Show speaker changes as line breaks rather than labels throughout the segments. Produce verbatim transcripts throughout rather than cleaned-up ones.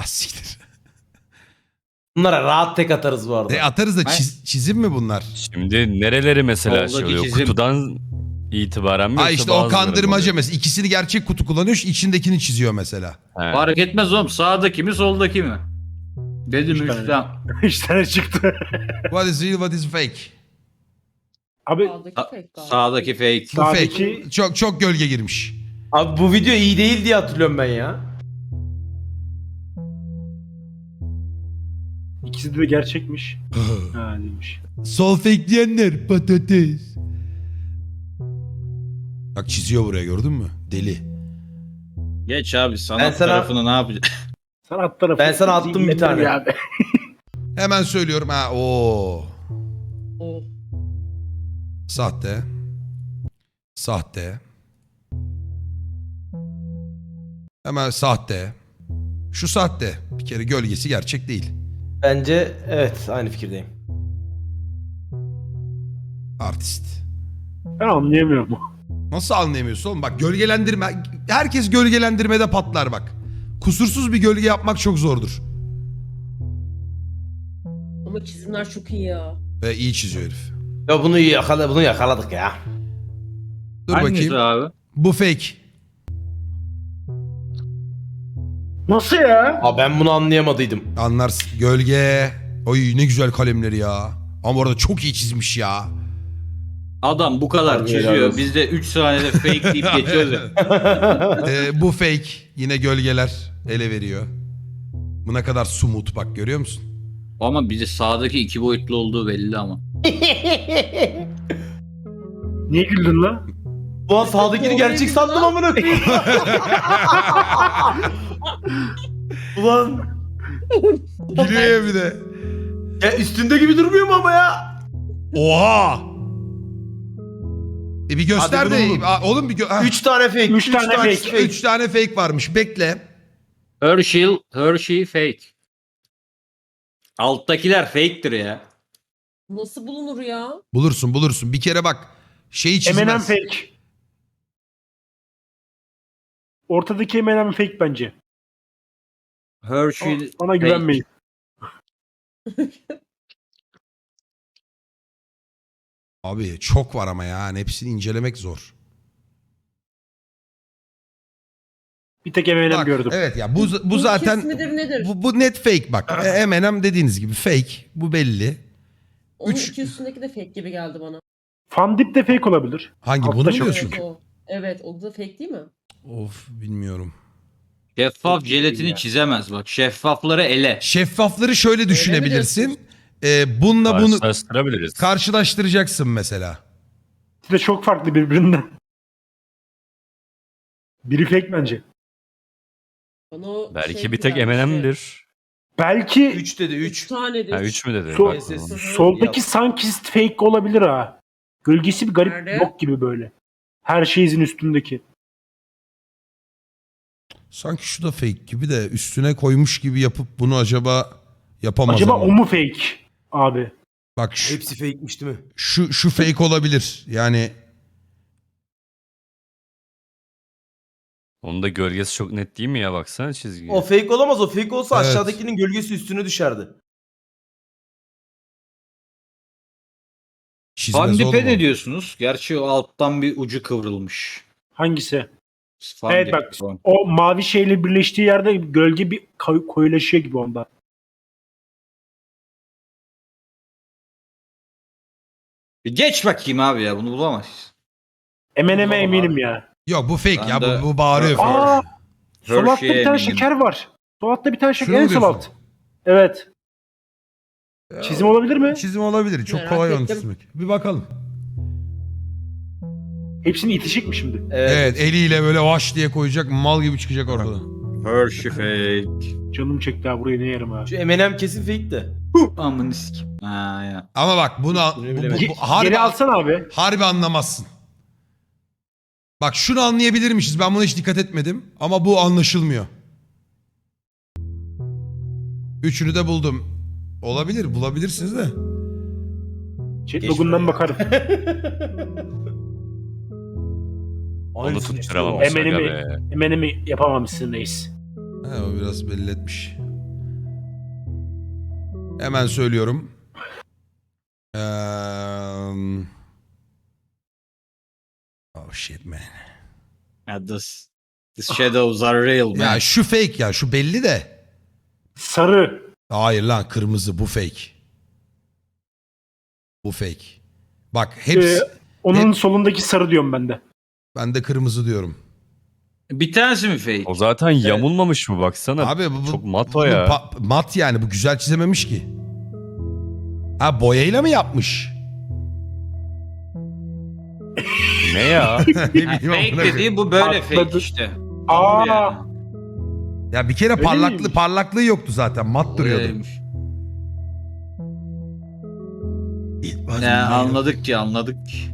siktir.
Bunlara rahat tek atarız bu arada.
E atarız da çiz- çizim mi bunlar?
Şimdi nereleri mesela şey
Soldaki
oluyor?
çizim.
Kutudan itibaren mi?
Ha
yoksa
işte o
bazıları mı
kandırmaca
oluyor?
mesela. İkisini gerçek kutu kullanıyor, içindekini çiziyor mesela.
He.
Fark etmez oğlum. Sağdaki mi soldaki mi? Dedim
Üç tane.
üstten.
Üç tane çıktı.
What is real, what is fake?
Abi
Sağdaki
Sa-
fake galiba.
sağdaki fake.
Bu fake.
Sağdaki-
Çok çok gölge girmiş.
Abi bu video iyi değil diye hatırlıyorum ben ya.
ikisi de gerçekmiş. Ha demiş.
Sol fake diyenler patates. Bak çiziyor buraya, gördün mü? Deli.
Geç abi
Ben
sanat
sana-
tarafını ne yapacaksın?
Sanat tarafı.
Ben sana attım bir tane.
Abi.
Hemen söylüyorum ha. Oo.
Oh.
Sahte. Sahte. Hemen sahte. Şu sahte. Bir kere gölgesi gerçek değil.
Bence evet aynı fikirdeyim.
Artist.
Ben anlayamıyorum.
Nasıl anlayamıyorsun oğlum? Bak gölgelendirme. Herkes gölgelendirmede patlar bak. Kusursuz bir gölge yapmak çok zordur.
Ama çizimler çok iyi ya.
Ve iyi çiziyor herif.
Ya bunu yakala bunu yakaladık ya.
Dur
Hangisi
bakayım.
abi?
Bu fake.
Nasıl ya?
Aa ben bunu anlayamadıydım.
Anlarsın. Gölge. Oy ne güzel kalemleri ya. Ama orada çok iyi çizmiş ya.
Adam bu kadar
Harbi helal
çiziyor.
olsun.
Biz de üç saniyede fake deyip geçiyoruz ya.
Ee, bu fake. Yine gölgeler ele veriyor. Bu ne kadar sumut bak, görüyor musun?
Ama bize sağdaki iki boyutlu olduğu belli ama.
Niye güldün lan?
Bu an sağdakini gerçek sandım amına koyayım. Ulan
Gülüyor ya bir de.
ya üstünde gibi durmuyor mu ama ya?
Oha! E bir göster
Hadi bunu
de.
bulun.
Aa, oğlum bir gö- ha.
Üç tane fake.
Üç tane fake.
Üç tane fake varmış. Bekle.
Hershey, Hershey fake. Alttakiler fake'tir ya.
Nasıl bulunur ya?
Bulursun bulursun. Bir kere bak. Şeyi çizmez.
M and M fake. Ortadaki M and M fake bence.
Hershey
Bana
fake.
güvenmeyin.
Abi çok var ama yani hepsini incelemek zor.
Bir tek M and M
Bak,
gördüm.
evet ya bu bu
İlk
zaten
ismidir nedir?
bu, bu net fake bak. E, M and M dediğiniz gibi fake. Bu belli.
Onun
üç-
iki üstündeki de fake gibi geldi bana.
Fandip de fake olabilir.
Hangi
Altta
bunu mu
çok-
diyorsun?
Evet o. Evet o da fake değil mi?
Of bilmiyorum.
Şeffaf
Çok iyi
jelatini
ya.
çizemez bak. Şeffafları ele.
Şeffafları şöyle düşünebilirsin.
diyorsun?
E, bununla bunu
Karşılaştırabiliriz.
karşılaştıracaksın mesela.
İkisi de çok farklı birbirinden. Biri fake bence.
Bana o
Belki
şey
bir tek
gelmişti.
M and M'dir.
Belki
Üç dedi
Üç
üç.
tanedir.
Ha üç mü dedi?
Sol-
Bak,
Ses-
tamam.
soldaki Sunkist fake olabilir ha. Gölgesi bir garip
Nerede?
blok gibi böyle. Her şeyin üstündeki.
Sanki şu da fake gibi de üstüne koymuş gibi yapıp bunu acaba yapamaz
Acaba
ama.
o mu fake abi?
Bak şu,
Hepsi fake'miş değil mi?
şu, şu fake olabilir. Yani
Onun da gölgesi çok net değil mi ya, baksana çizgiye.
O fake olamaz. O fake olsa
Evet.
aşağıdakinin gölgesi üstüne düşerdi.
çizmez
Fandip'e
oğlum o.
ne diyorsunuz? Gerçi o alttan bir ucu kıvrılmış.
Hangisi?
Fandip
Evet bak
falan.
o mavi şeyle birleştiği yerde gölge bir koy- koyulaşıyor gibi onda.
Bir geç bakayım abi ya, bunu bulamayız.
M and M'e
Bulamam
eminim
abi.
ya.
Yok bu fake
Ben
ya,
de-
bu, bu bağırıyor. fake.
Aa! Sol altta
Hershey'e
bir tane
eminim.
şeker var. Sol altta bir tane şeker
Şunu mu
en sol
diyorsun?
alt. Evet. Çizim olabilir mi?
Çizim olabilir. Çok
Merak
kolay onu
ettim.
çizmek. Bir bakalım.
Hepsini itişik mi şimdi?
Evet.
Evet, eliyle böyle vaş diye koyacak, mal gibi çıkacak ortada.
Hershey fake.
Canım çekti ha, buraya ne yerim ha.
Şu M and M kesin fake de.
Amın sikim. Ha ya.
Ama bak bunu bu, bu,
bilemedim.
bu-
Ge-
harbi,
Geri alsana abi.
harbi anlamazsın. Bak şunu anlayabilirmişiz. Ben buna hiç dikkat etmedim. Ama bu anlaşılmıyor. Üçünü de buldum. Olabilir, bulabilirsiniz de.
Chat
Geç
logundan
buraya.
bakarım.
Onu
Aynısını
tutturamamış
M and
aga
M'i
be.
M and M'i yapamamışsın reis.
He, o biraz belli etmiş. Hemen söylüyorum. Eee... Oh shit man.
Ya this, these shadows are real man.
Ya şu fake ya, şu belli de.
Sarı.
Hayır lan, kırmızı, bu fake. Bu fake. Bak hepsi.
Ee, onun
hep-
solundaki sarı diyorum ben de.
Ben de kırmızı diyorum.
Bir tanesi mi fake?
O zaten yamulmamış mı baksana.
Abi bu, bu
çok mat o
bunu
ya.
pa- mat yani, bu güzel çizememiş ki. Ha, boyayla mı yapmış?
Ne ya?
Ne
Ha,
bileyim
fake
amına koyayım.
dediği bu böyle
Patladı.
fake işte.
Aa.
Yani.
Ya bir kere
Öyle
parlaklığı
miymiş?
parlaklığı yoktu zaten, mat duruyordu.
Öyleymiş. Ne anladık ki anladık ki.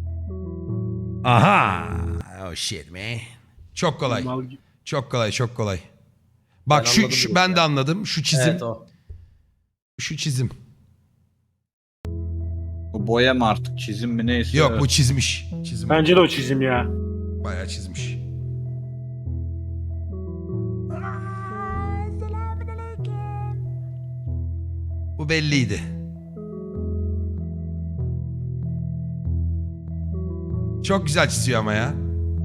Aha. Oh shit man. Çok kolay.
Mal gibi.
Çok kolay, çok kolay. Bak
Ben
şu,
anladım
şu
direkt
ben
ya.
de anladım. Şu çizim.
Evet o.
Şu çizim.
Bu boya mı artık çizim mi neyse.
Yok, bu çizmiş. Çizim.
Bence de o çizim ya.
Bayağı çizmiş. Bu belliydi. Çok güzel çiziyor ama ya.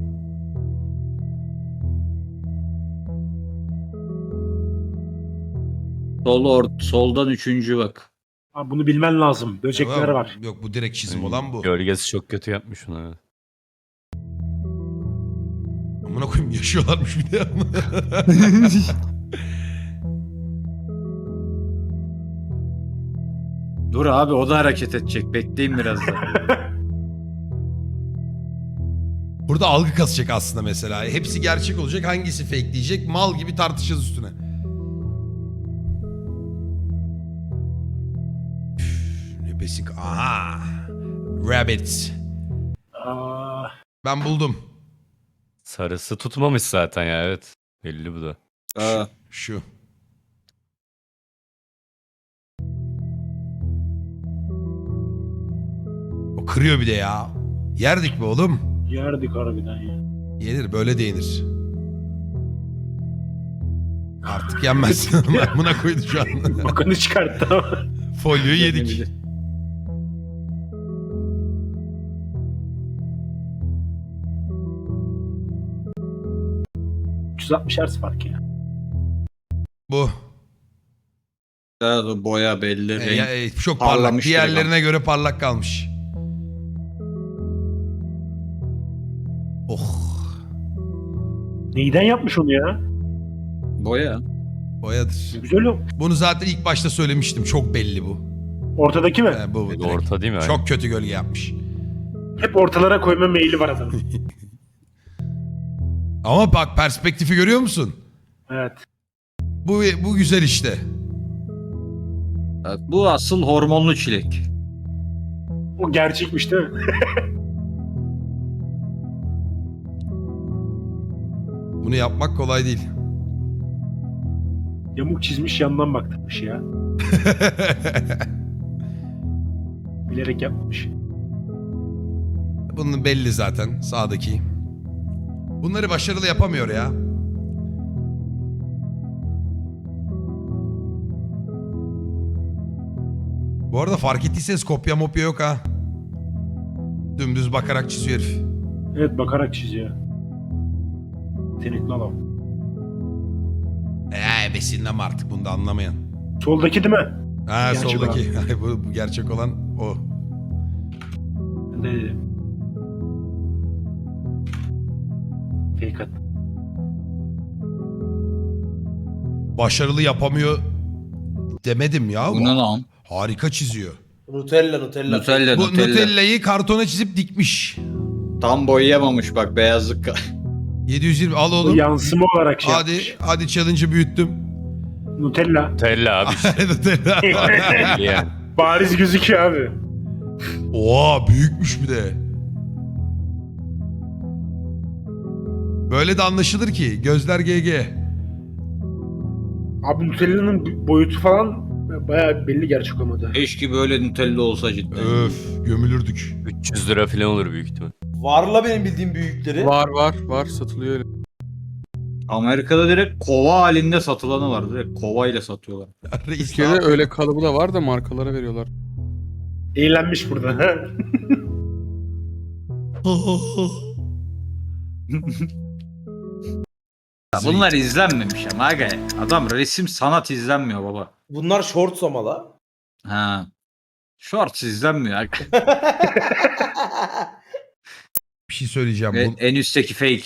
Sol or soldan üçüncü bak.
Abi bunu bilmen lazım. Böcekler
Yok,
var.
Yok, bu direkt çizim olan bu.
Gölgesi çok kötü yapmış onu. evet.
Amına koyayım, yaşıyorlarmış bir de.
Dur abi o da hareket edecek. Bekleyin biraz da.
Burada algı kasacak aslında mesela. Hepsi gerçek olacak, hangisi fake diyecek. Mal gibi tartışacağız üstüne. Üf, ne besin... Aha. Rabbit.
Aa,
Ben buldum.
Sarısı tutmamış zaten ya, evet. Belli bu da.
Aa,
Şu. O kırıyor bir de ya. Yerdik mi oğlum?
yerdik harbiden ya.
Yenir, böyle de yenir. Artık yenmez. Ben buna koydu şu an.
Bakını çıkarttı ama.
Folyoyu yedik.
üç yüz altmış Hz fark ya.
Bu.
evet, o boya belli.
E,
renk.
ya, e, çok parlak.
parlamış
Diğerlerine göre parlak kalmış. Oh.
Neyden yapmış onu ya?
Boya.
Boyadır.
Güzel o.
Bunu zaten ilk başta söylemiştim. Çok belli bu.
Ortadaki mi?
E, bu bu direkt.
Orta değil mi?
Çok kötü gölge yapmış.
Hep ortalara koyma meyili var adamın.
Ama bak, perspektifi görüyor musun?
Evet.
Bu bu güzel işte.
Evet, bu asıl hormonlu çilek.
O gerçekmiş değil mi?
Bunu yapmak kolay değil.
Yamuk çizmiş yandan baktırmış ya. Bilerek yapmamış.
Bunun belli zaten, sağdaki. Bunları başarılı yapamıyor ya. Bu arada fark ettiyseniz kopya mopya yok ha. Dümdüz bakarak çiziyor herif.
Evet, bakarak çiziyor. Yetenekli adam.
Eee besinleme artık, bunu da anlamayan.
Soldaki değil mi?
Ha,
Gerçek
soldaki. bu, bu gerçek olan o.
Ben de dedim. Fake at.
Başarılı yapamıyor demedim ya.
Bu ne lan?
Harika çiziyor.
Nutella Nutella.
Nutella,
Bu
Nutella.
Nutella'yı kartona çizip dikmiş.
Tam boyayamamış bak beyazlık.
yedi yüz yirmi al
O
oğlum.
yansıma olarak şey
Hadi
yapmış.
hadi challenge'ı büyüttüm.
Nutella.
Tella abi işte.
Nutella.
Belli yani.
Bariz gözüküyor abi.
Oha, büyükmüş bir de. Böyle de anlaşılır ki. Gözler G G.
Abi Nutella'nın boyutu falan bayağı belli gerçek olmadı.
Keşke böyle Nutella olsa cidden.
Öf, gömülürdük.
üç yüz lira falan olur büyük ihtimal.
Var la benim bildiğim büyükleri.
Var var var satılıyor öyle.
Amerika'da direkt kova halinde satılanı var. Direkt kova ile satıyorlar.
Reis ne
Türkiye'de
yapıyor?
öyle kalıbı da var da markalara veriyorlar.
Eğlenmiş burada.
Ya bunlar izlenmemiş ama aga. Adam resim sanat izlenmiyor baba.
Bunlar shorts ama la.
Ha. Shorts izlenmiyor aga.
Bir şey söyleyeceğim.
Ve
Bu...
en üstteki fake.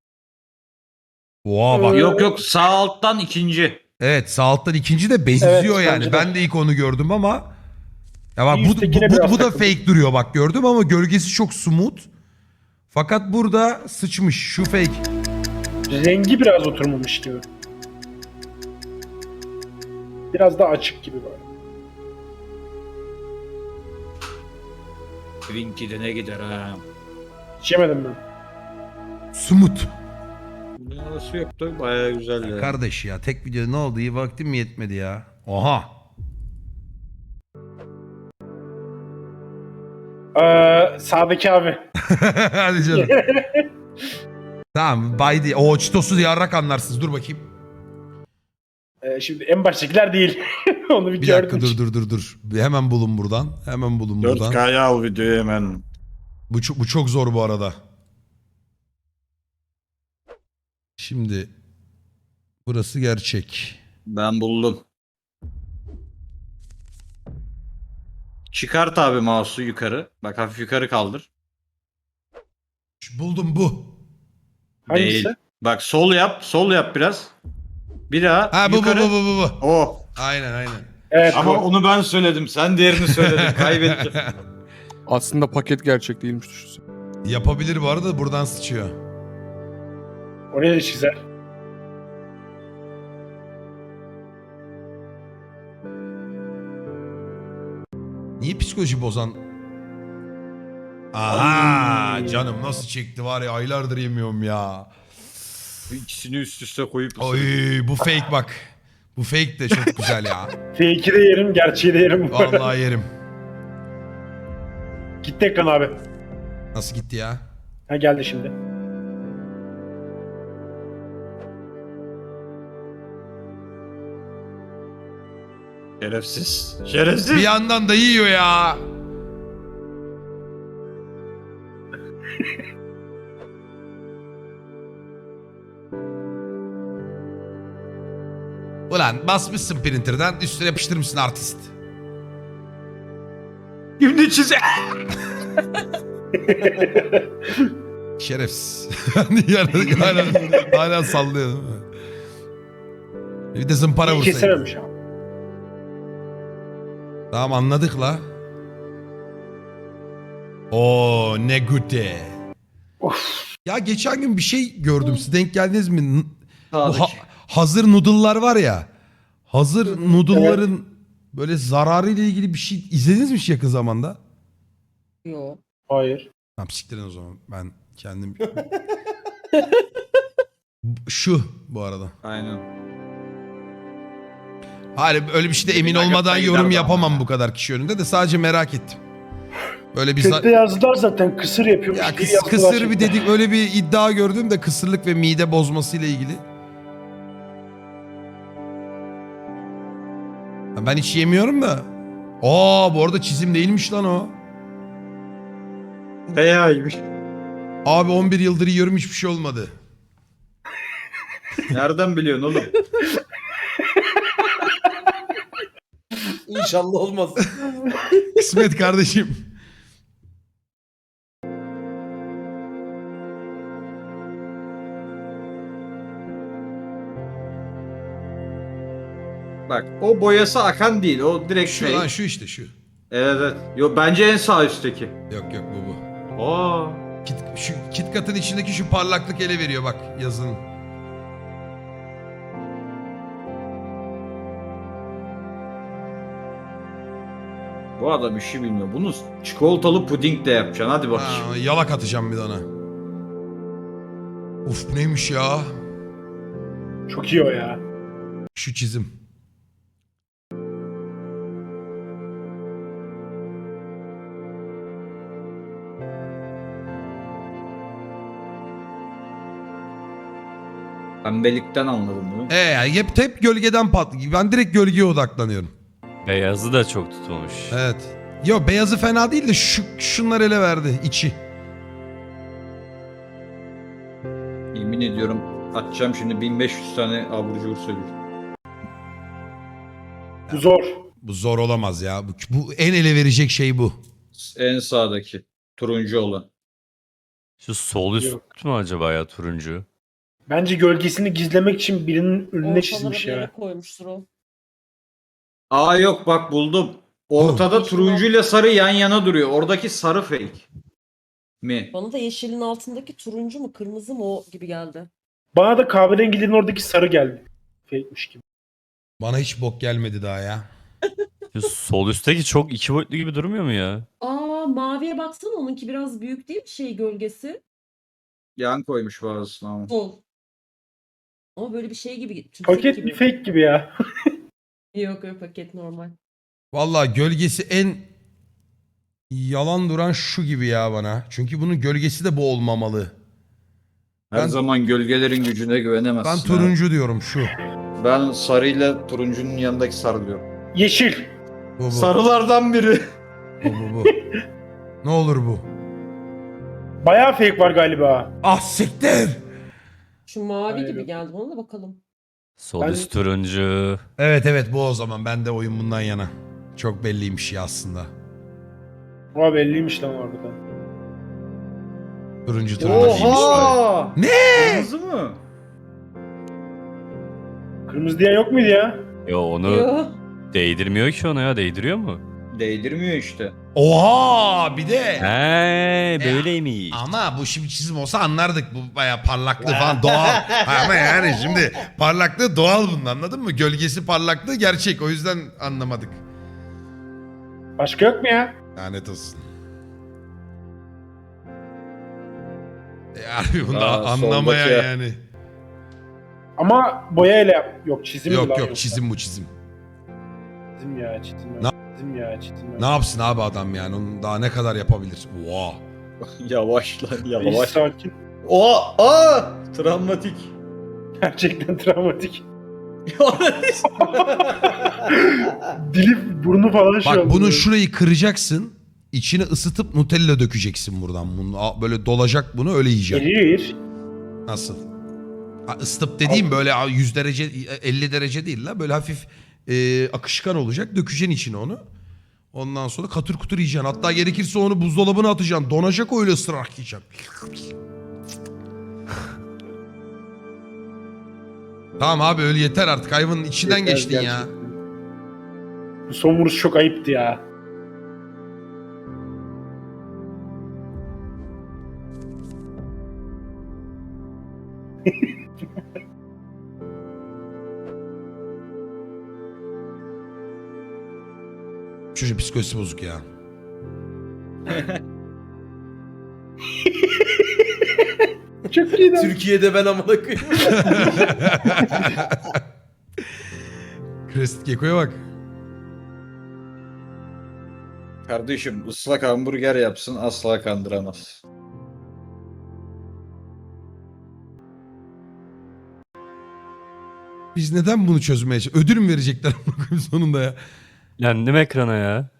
Oha bak.
Yok yok sağ alttan ikinci.
Evet sağ alttan ikinci de benziyor
Evet,
yani.
bence de.
Ben de ilk onu gördüm ama ya bak
Bir
bu, bu,
üsttekine
bu,
biraz
bu da
takıldım.
fake duruyor bak gördüm ama gölgesi çok smooth. Fakat burada sıçmış şu fake.
Rengi biraz oturmamış gibi. Biraz daha açık gibi var.
Twinkie ne gider ha.
Hiç yemedim ben.
Smooth.
Bunun arası yok da bayağı güzel ya.
Kardeş ya tek videoda ne oldu iyi vaktim mi yetmedi ya. Oha.
Ee, sağdaki abi.
Hadi canım. Tamam bay diye. O çitosuz yarrak anlarsınız dur bakayım.
Ee, şimdi en baştakiler değil. Onu bir,
Bir
gördüm.
dakika dur dur dur dur. Bir Hemen bulun buradan. Hemen bulun buradan.
dört K'ya al videoyu hemen.
Bu çok, bu çok zor bu arada. Şimdi burası gerçek.
Ben buldum. Çıkart abi mouse'u yukarı. Bak hafif yukarı kaldır.
Şu- Buldum bu.
Hangisi?
Değil. Bak sol yap. Sol yap biraz. Bir daha
Ha bu
yukarı.
bu bu bu bu. bu.
O.
Aynen aynen.
Evet.
Ama
bu.
onu ben söyledim. Sen diğerini söyledin. Kaybettin.
Aslında paket gerçek değilmiş düşünsene.
Yapabilir bu arada buradan sıçıyor.
Oraya da çizer.
Niye psikoloji bozan? Aha canım nasıl çekti var ya aylardır yemiyorum ya.
Bu İkisini üst üste koyup
Oy bu fake bak. Bu fake de çok güzel ya.
Fake'i de yerim, gerçeği de yerim.
Vallahi yerim.
Gitti ekran abi.
Nasıl gitti ya?
Ha geldi şimdi.
Şerefsiz. Şerefsiz.
Bir yandan da yiyor ya. Ulan basmışsın printer'dan üstüne yapıştırmışsın artist.
Şimdi çize.
Şerefsiz. Yani hala, hala sallıyor değil mi? Bir de zımpara
İyi
vursaydın.
kesememiş abi.
Tamam anladık la. Oo ne güte.
Of.
Ya geçen gün bir şey gördüm. Siz denk geldiniz mi? N- Bu
Sağdaki.
ha- hazır noodle'lar var ya. Hazır noodle'ların böyle zararı ile ilgili bir şey izlediniz mi hiç yakın zamanda?
Yo.
Hayır.
Tamam siktirin o zaman. Ben kendim... Şu bu arada.
Aynen.
Hayır öyle bir şeyde emin olmadan yorum yapamam bu kadar kişi önünde de sadece merak ettim. Böyle bir za-
Chatte yazdılar zaten kısır yapıyormuş.
ya
diye
kıs-
yazdılar
kısır
chatte.
bir dedik öyle bir iddia gördüm de kısırlık ve mide bozması ile ilgili. Ya ben hiç yemiyorum da. Aa bu arada çizim değilmiş lan o.
Beyaymış.
Abi on bir yıldır yiyorum hiçbir şey olmadı.
Nereden biliyorsun oğlum?
İnşallah olmaz.
Kısmet kardeşim.
Bak o boyası akan değil. O direkt
Şu
şey.
lan şu işte şu.
Evet evet. Yo bence en sağ üstteki.
Yok yok bu bu.
Aa.
Kit, şu KitKat'ın içindeki şu parlaklık ele veriyor bak yazının.
Bu adam işi bilmiyor. Bunu çikolatalı puding de yapacaksın. Hadi bakayım.
Ha, yalak atacağım bir de ona. Uf bu neymiş ya?
Çok iyi o ya.
Şu çizim.
Pembelikten anladım değil mi?
E yani hep, hep gölgeden pat. Ben direkt gölgeye odaklanıyorum.
Beyazı da çok tutmamış.
Evet. Yo beyazı fena değil de şu, şunlar ele verdi içi.
Yemin ediyorum atacağım şimdi bin beş yüz tane abur cubur söylüyorum.
Bu zor.
Bu zor olamaz ya. Bu, bu en ele verecek şey bu.
En sağdaki turuncu olan.
Şu sol üst
Yok.
mü acaba ya turuncu?
Bence gölgesini gizlemek için birinin önüne
Ortalara
çizmiş
bir yere
ya.
koymuştur o.
Aa yok bak buldum. Ortada
Oh.
turuncuyla sarı yan yana duruyor. Oradaki sarı fake mi?
Bana da yeşilin altındaki turuncu mu kırmızı mı o gibi geldi.
Bana da kahverengilerin oradaki sarı geldi. Fake'miş gibi.
Bana hiç bok gelmedi daha ya.
Şu sol üstteki çok iki boyutlu gibi durmuyor mu ya?
Aa maviye baksana onunki biraz büyük değil mi şey gölgesi?
Yan koymuş bazısına ama.
Sol. Ama böyle bir şey gibi. tümsek
Paket
gibi.
bir fake gibi ya.
Yok yok paket normal.
Vallahi gölgesi en yalan duran şu gibi ya bana. Çünkü bunun gölgesi de bu olmamalı.
Her
Ben-
zaman gölgelerin gücüne güvenemezsin.
Ben
ha.
turuncu diyorum şu.
Ben sarıyla turuncunun yanındaki sarı diyorum.
Yeşil.
Bu bu.
Sarılardan biri.
Bu bu bu. Ne olur bu.
Bayağı fake var galiba.
Ah siktir.
Şu mavi
Hayır,
gibi
yok.
geldi bana da bakalım.
Sol
Ben-
üst turuncu.
Evet evet bu o zaman. Ben de oyun bundan yana. Çok belliymiş ya aslında.
Ama belliymiş lan orada.
Turuncu turuncuymuş böyle.
Oha!
Ne?
Kırmızı mı?
Kırmızı diye yok muydu ya?
Yo onu
Yo.
değdirmiyor ki ona ya. Değdiriyor mu?
Değdirmiyor işte.
Oha bir de.
He böyleymiş.
Ama bu şimdi çizim olsa anlardık. Bu bayağı parlaklığı falan doğal. Ama yani şimdi parlaklığı doğal bunun anladın mı? Gölgesi parlaklığı gerçek. O yüzden anlamadık.
Başka yok mu ya?
Lanet olsun. E, harbi bunu
Aa,
anlamaya
soldaki.
yani.
Ama boyayla yap. Yok çizim mi
Yok
lan
yok
yoksa?
çizim bu çizim.
Çizim ya çizim ya.
Ne-
Çizim ya çizim ya.
Ne yapsın abi adam yani? Onun daha ne kadar yapabilir? Oha.
Yavaş lan
İyi,
yavaş.
sakin.
Oha! Aa! Travmatik.
Gerçekten travmatik. Dili burnu falan şey
Bak
oldu.
bunun şurayı kıracaksın. İçini ısıtıp Nutella dökeceksin buradan. Bunu a- böyle dolacak bunu öyle yiyeceksin.
Erir.
Nasıl? Ha, ısıtıp dediğim böyle yüz derece elli derece değil la. Böyle hafif e, akışkan olacak. Dökeceksin içine onu. Ondan sonra katır kutur yiyeceksin. Hatta gerekirse onu buzdolabına atacaksın. Donacak öyle ısırarak yiyeceksin. Tamam abi öyle yeter artık. Hayvanın içinden
Yeter
geçtin ya.
gerçekten. Bu son vuruş çok ayıptı ya.
Çocuk psikolojisi bozuk ya.
Çok iyi lan.
Türkiye'de ben amına koyayım.
Crested Gecko'ya bak.
Kardeşim ıslak hamburger yapsın asla kandıramaz.
Biz neden bunu çözmeye çalışıyoruz? Ödül mü verecekler sonunda ya?
Yendim ekrana ya.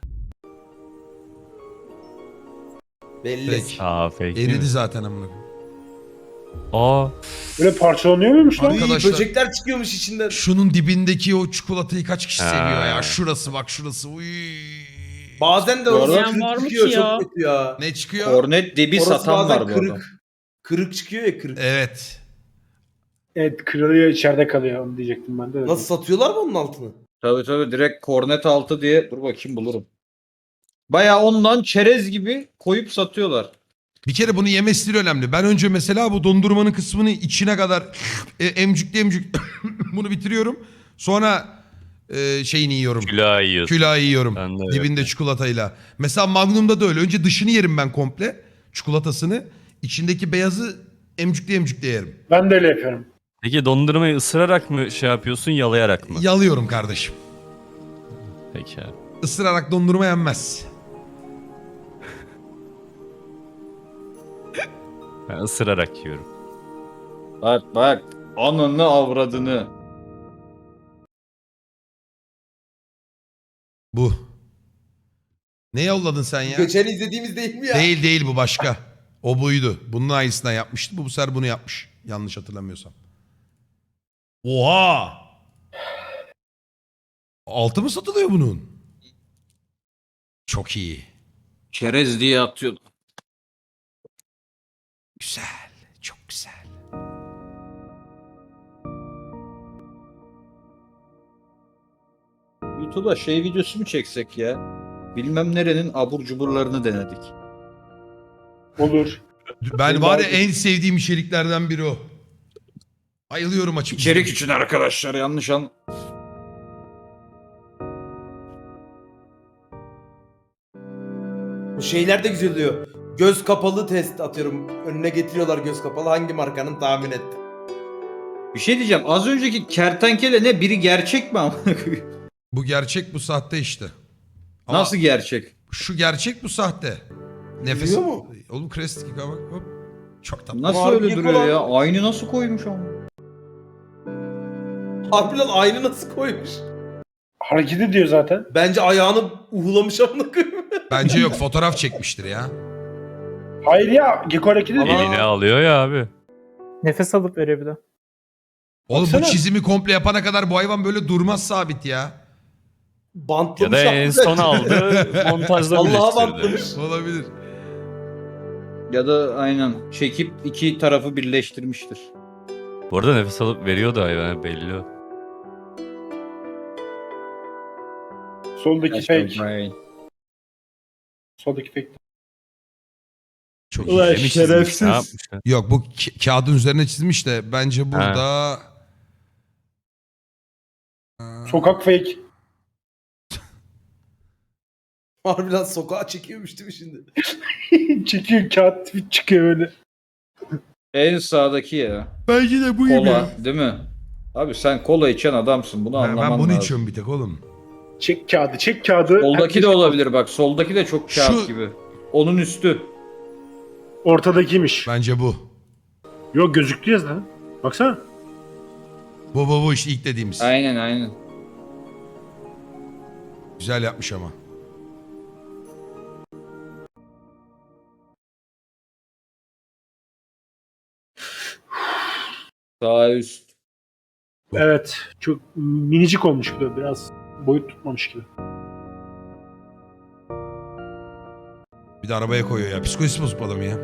Belli.
Peki.
Aa fake değil
Eridi
mi?
zaten amına koyayım.
Aa
Böyle parçalanıyor muymuş lan?
Arka-
İyi,
Arkadaşlar-
böcekler çıkıyormuş içinden.
Şunun dibindeki o çikolatayı kaç kişi
Ha.
seviyor ya? Şurası bak şurası. Uy.
Bazen de
Bu
orası
arada-
kırık
Var mı
çıkıyor
ki ya?
çok kötü ya.
Ne çıkıyor?
Kornet dibi
Orası
satan
bazen
var bu
kırık.
adam.
Kırık çıkıyor ya kırık.
Evet.
Evet kırılıyor içeride kalıyor onu diyecektim ben de.
Nasıl satıyorlar mı onun altını?
Tabii tabii direkt kornet altı diye dur bakayım bulurum. Baya ondan çerez gibi koyup satıyorlar.
Bir kere bunu yeme stili önemli. Ben önce mesela bu dondurmanın kısmını içine kadar e, emcükle emcük bunu bitiriyorum. Sonra e, şeyini yiyorum.
külahı yiyorsun.
Külahı yiyorum.
Ben de öyle.
Dibinde çikolatayla. Mesela Magnum'da da öyle. Önce dışını yerim ben komple. Çikolatasını. İçindeki beyazı emcükle emcükle yerim.
Ben de öyle yapıyorum.
Peki dondurmayı ısırarak mı şey yapıyorsun yalayarak mı?
Yalıyorum kardeşim.
Peki abi.
Isırarak dondurma yenmez.
Ben ısırarak yiyorum.
Bak bak Ananı avradını.
Bu. Ne yolladın sen ya?
Geçen izlediğimiz değil mi ya?
Değil değil bu başka. O buydu. Bunun aynısından yapmıştı. Bu bu sefer bunu yapmış. Yanlış hatırlamıyorsam. Oha! Altı mı satılıyor bunun? Çok iyi.
Çerez diye atıyordu.
Güzel. Çok güzel.
YouTube'a şey videosu mu çeksek ya? Bilmem nerenin abur cuburlarını denedik.
Olur.
Ben var ya en sevdiğim içeriklerden biri o. Bayılıyorum açık.
İçerik için arkadaşlar yanlış an.
Bu şeyler de güzel oluyor. Göz kapalı test atıyorum. Önüne getiriyorlar göz kapalı. Hangi markanın tahmin et.
Bir şey diyeceğim. Az önceki kertenkele ne? Biri gerçek mi ama?
Bu gerçek, bu sahte işte. Ama
Nasıl gerçek?
şu gerçek, bu sahte. Nefes.
Biliyor mu?
Oğlum Crest bak hop. Çok tatlı.
Nasıl
Harbi
öyle duruyor
olan-
ya? Aynı nasıl koymuş ama?
Harbi lan aynı nasıl koymuş?
Hareket ediyor zaten.
Bence ayağını uhulamış amına koyayım.
Bence yok, fotoğraf çekmiştir ya.
Hayır ya. Gecko hareket ediyor.
Ama-
Eline alıyor ya abi.
Nefes alıp veriyor bir de.
Oğlum
Baksana.
bu çizimi komple yapana kadar bu hayvan böyle durmaz sabit ya.
Ya
Bantlamış.
da en
hakikaten.
son aldı montajda
Allah'a
birleştirdi.
bantlamış.
Olabilir.
Ya da aynen çekip iki tarafı birleştirmiştir.
Bu arada nefes alıp veriyordu hayvan belli o.
Soldaki fake.
Aynen.
Soldaki fake.
Çok
Ulan
iyi.
Demiş
şerefsiz.
çizmiş, ne yapmış ya?
Yok bu ka- kağıdın üzerine çizmiş de bence burada...
Sokak fake.
Harbi lan sokağa çekiyormuş değil mi şimdi?
Çekiyor kağıt tweet çıkıyor öyle.
En sağdaki ya.
Bence de bu gibi.
Kola değil mi? Abi sen kola içen adamsın. Bunu
Ha,
anlaman
ben bunu
lazım.
içiyorum bir tek oğlum.
Çek kağıdı, çek kağıdı.
Soldaki
Herkes-
de olabilir bak. Soldaki de çok kağıt
Şu-
gibi. Onun üstü.
Ortadakiymiş.
Bence bu.
Yok gözüktü ya zaten. Baksana.
Bu bu bu işte ilk dediğimiz.
Aynen aynen.
Güzel yapmış ama.
Sağ üst.
Evet. Çok minicik olmuş bir de biraz. Boyut tutmamış gibi.
Bir de arabaya koyuyor ya. Psikolojisi bozuk bu adam ya.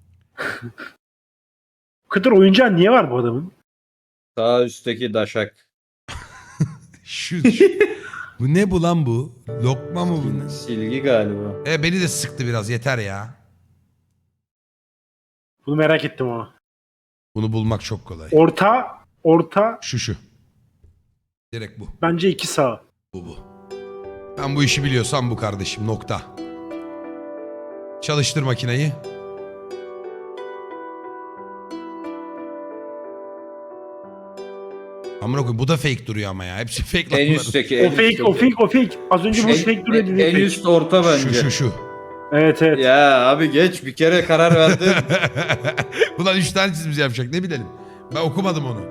Bu kadar oyuncağı niye var bu adamın?
Sağ üstteki daşak.
Şu, şu- bu ne bu lan bu? Lokma mı bu? ne?
Silgi galiba.
E beni de sıktı biraz, yeter ya.
Bunu merak ettim ama.
Bunu bulmak çok kolay.
Orta, orta
Şu şu. Direkt bu.
bence iki sağ.
Bu bu. Ben bu işi biliyorsam bu kardeşim, nokta. Çalıştır makineyi. Amına koyayım bu da fake duruyor ama ya. Hepsi fake lan
En
bunların.
üstteki.
O
en
fake,
üstteki.
o fake, o fake. Az önce bu
En-
fake duruyor
en,
dedi.
en
fake.
üst orta bence.
Şu şu şu.
Evet evet.
Ya abi geç bir kere karar verdin.
Ulan üç tane çizimiz yapacak, ne bilelim. Ben okumadım onu.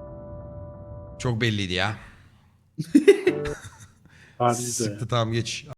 Çok belliydi ya.
Harbi de.
Sıktı, tamam geç.